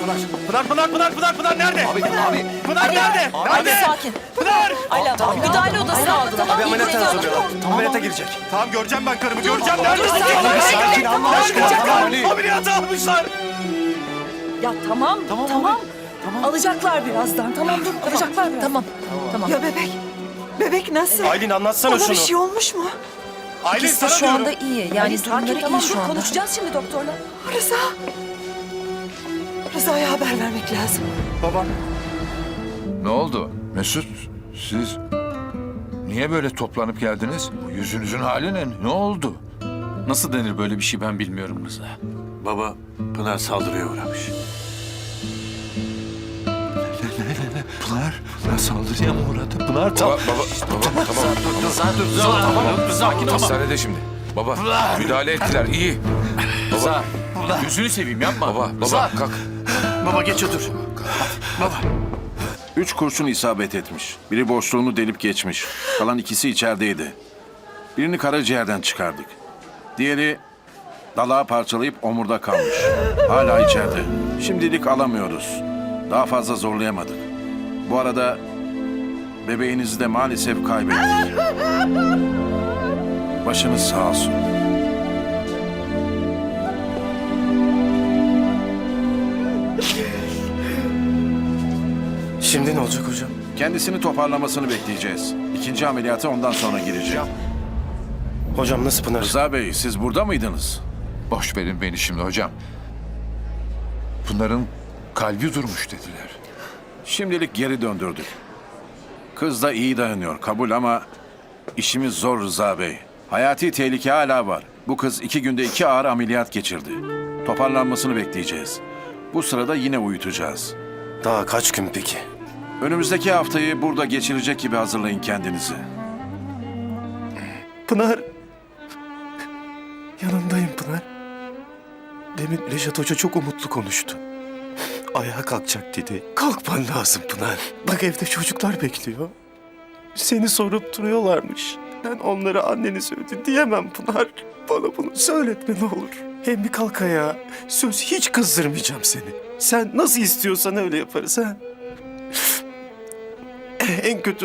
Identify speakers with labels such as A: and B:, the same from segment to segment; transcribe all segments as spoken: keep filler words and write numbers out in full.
A: Pınar, Pınar, Pınar, Pınar, Pınar nerede?
B: Abi, abi.
A: Pınar nerede?
C: Abi
A: Nerede?
C: sakin.
A: Pınar!
C: Ayla müdahale odasına aldılar.
B: Abi ameliyata
C: İyi,
B: hazırlıyorlar. Tam ameliyata girecek.
A: Tamam göreceğim ben karımı, göreceğim. Nerede?
C: dur,
A: Nerede?
C: sakin,
A: Nerede?
B: sakin, Allah aşkına,
A: Nerede?
B: tamam, Ali.
A: Ameliyata almışlar.
C: Ya tamam, tamam.
B: Tamam.
C: Alacaklar birazdan. Tamam dur, alacaklar birazdan. Tamam, tamam.
D: Ya bebek, bebek nasıl?
A: Aylin anlatsana
D: Ona
A: şunu.
D: bir şey olmuş mu?
A: Aylin
C: İkisi de
A: sana
C: şu anda
A: diyorum.
C: iyi. Yani
D: Ali, sakin,
C: durumları
D: tamam,
C: iyi şu
D: dur,
C: anda.
D: konuşacağız
C: şimdi doktorla.
D: Rıza. Rıza'ya haber vermek lazım.
A: Babam.
E: Ne oldu? Mesut, siz niye böyle toplanıp geldiniz? Bu yüzünüzün hali ne? Ne oldu?
F: Nasıl denir böyle bir şey ben bilmiyorum Rıza.
G: Baba, Pınar saldırıya uğramış.
E: Pınar, Pınar saldırıya mı uğradı? Pınar tam...
B: Baba, baba, baba, tamam. Dur, dur,
F: Rıza dur Rıza tamam sakin ol.
E: Hastanede şimdi. Baba, müdahale ettiler, iyi.
F: Rıza gözünü seveyim yapma.
E: Baba,
F: Rıza.
E: baba, kalk.
G: Baba geç otur.
H: Üç kurşun isabet etmiş. Biri boşluğunu delip geçmiş. Kalan ikisi içerideydi. Birini karaciğerden çıkardık. Diğeri dalağı parçalayıp omurda kalmış. Hala içeride. Şimdilik alamıyoruz. Daha fazla zorlayamadık. Bu arada bebeğinizi de maalesef kaybettik. Başınız sağ olsun.
G: Şimdi ne olacak hocam?
H: Kendisini toparlamasını bekleyeceğiz. İkinci ameliyata ondan sonra girecek.
G: Hocam nasıl Pınar?
H: Rıza Bey, siz burada mıydınız?
E: Boş verin beni şimdi hocam. Pınar'ın kalbi durmuş dediler.
H: Şimdilik geri döndürdük. Kız da iyi dayanıyor, kabul ama işimiz zor Rıza Bey. Hayati tehlike hala var. Bu kız iki günde iki ağır ameliyat geçirdi. Toparlanmasını bekleyeceğiz. Bu sırada yine uyutacağız.
G: Daha kaç gün peki?
H: Önümüzdeki haftayı burada geçirecek gibi hazırlayın kendinizi.
G: Pınar. Yanındayım Pınar. Demin Reşat Hoca çok umutlu konuştu. Ayağa kalkacak dedi. Kalkman lazım Pınar. Bak evde çocuklar bekliyor. Seni sorup duruyorlarmış. Ben onlara anneni öldü diyemem Pınar. Bana bunu söyletme ne olur. Hem bir kalk ayağa. Söz hiç kızdırmayacağım seni. Sen nasıl istiyorsan öyle yaparız ha. En kötü...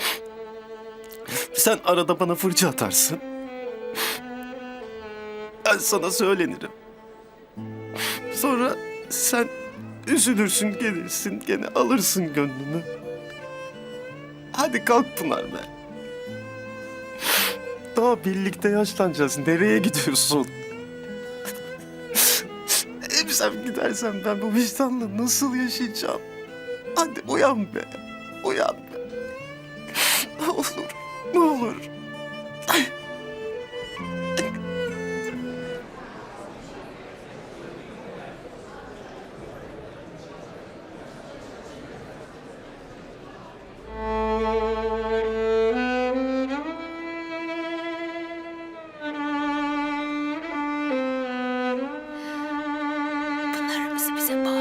G: Sen arada bana fırça atarsın. Ben sana söylenirim. Sonra sen üzülürsün, gelirsin, gene alırsın gönlünü. Hadi kalk Pınar be. Daha birlikte yaşlanacağız. Nereye gidiyorsun? Hep sen gidersen ben bu vicdanla nasıl yaşayacağım? Hadi uyan be. Uyan be. Ne olur, ne olur.
D: Pınar'ımızı bize bağışla.